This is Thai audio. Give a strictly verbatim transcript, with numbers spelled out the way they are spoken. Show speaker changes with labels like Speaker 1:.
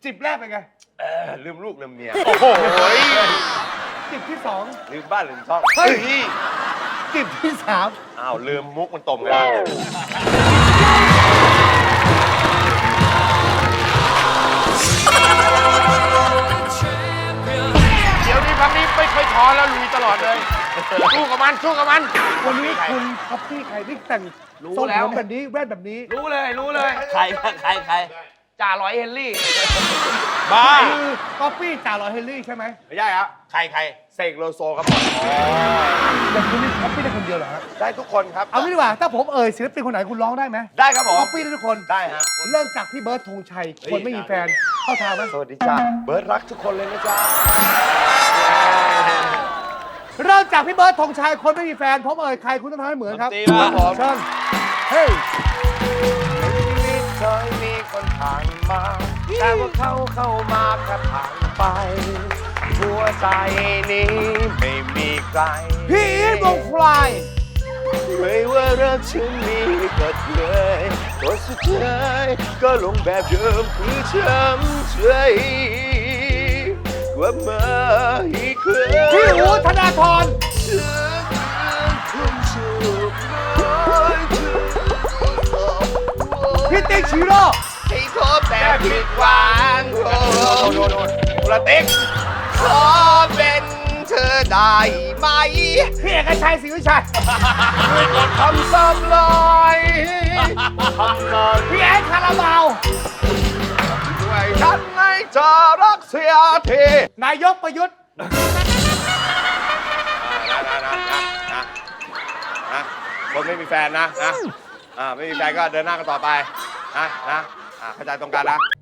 Speaker 1: จิบแรกเป็นไง
Speaker 2: เออลืมลูกลืมเมีย
Speaker 3: โอ้โห
Speaker 1: จิบที่สอง
Speaker 2: ลืมบ้านลืมช่อง
Speaker 1: เฮ้ย จิบที่สาม
Speaker 2: อ้าวลืมมุกมันตรงกันแล้ว
Speaker 3: เดี๋ยวนี้พักนี้ไม่ค่อยท้อแล้วลุยตลอดเลยสู้กับมันสู้กับมัน
Speaker 1: วันนี้คุณท็อปปี้ใครที่แต่ง
Speaker 3: รู้
Speaker 1: ทรง
Speaker 3: แล้ว
Speaker 1: ผมแบบนี้แว่นแบบนี้
Speaker 3: รู้เลยรู้เลย
Speaker 4: ใครใครใคร
Speaker 3: จ่าร้อยเฮนรี่
Speaker 2: บ้า
Speaker 1: คือท็อปปี้จ่าลอยเฮนรี่ใช่ไหม
Speaker 2: ไม่ใช่ครับ
Speaker 4: ใครใคร
Speaker 2: เสกโลโซครับผม
Speaker 1: แต่คุณนี่ท็อปปี้ได้คนเดียวเหรอฮะ
Speaker 2: ได้ทุกคนครับ
Speaker 1: เอางี้ดีกว่าถ้าผมเอ่ยศิลปินคนไหนคุณร้องได้ไหม
Speaker 2: ได้ครับผม
Speaker 1: ท็อปปี้ได้ทุกคน
Speaker 2: ได้ฮะ
Speaker 1: เริ่มจากพี่เบิร์ดธงชัยคนไม่มีแฟนเข้าทางไหม
Speaker 2: สวัสดีจ้าเบิร์ดรักทุกคนเลยนะจ๊ะ
Speaker 1: เริ่มจากพี่เบิร์ดธงชัยคนไม่มีแฟนผมเอ่ยใครคุณต้องทำให้เหมือนครับ
Speaker 4: ตีมาผม
Speaker 1: เชิญเฮ้ย
Speaker 2: ชีวิตเคยมีคนผ่านมา แต่ว่าเขาเข้ามาแค่ผ่านไป หัวใจนี้ไม่มีใคร
Speaker 1: พี่อีทวงฟลาย
Speaker 2: ไม่ว่ารักฉันมีก็เลยตัวสุดท้ายก็ลงแบบเดิมคือช้ำใจกลับมาอีกครั้ง
Speaker 1: พี่อูธนาธร
Speaker 2: คุณชูน้อยเธอ
Speaker 1: พี่ติ๊กชิโร่
Speaker 2: ให้โทษแต่ผิดหวังโอ้โหประติ๊กขอเป็นเธอได้ไหม
Speaker 1: พี่เอกชัยศรีวิชัย
Speaker 2: ทำซ้ำลอยทำนาน
Speaker 1: พี่แอนคาราบาว
Speaker 2: ด้วยฉันให้เธอรักเสียที
Speaker 1: นายกประยุทธ์
Speaker 2: นะนะนะนะนะนะคนไม่มีแฟนนะนะอ่าไม่มีแฟนก็เดินหน้ากันต่อไปนะนะอ่าเข้าใจตรงกันนะ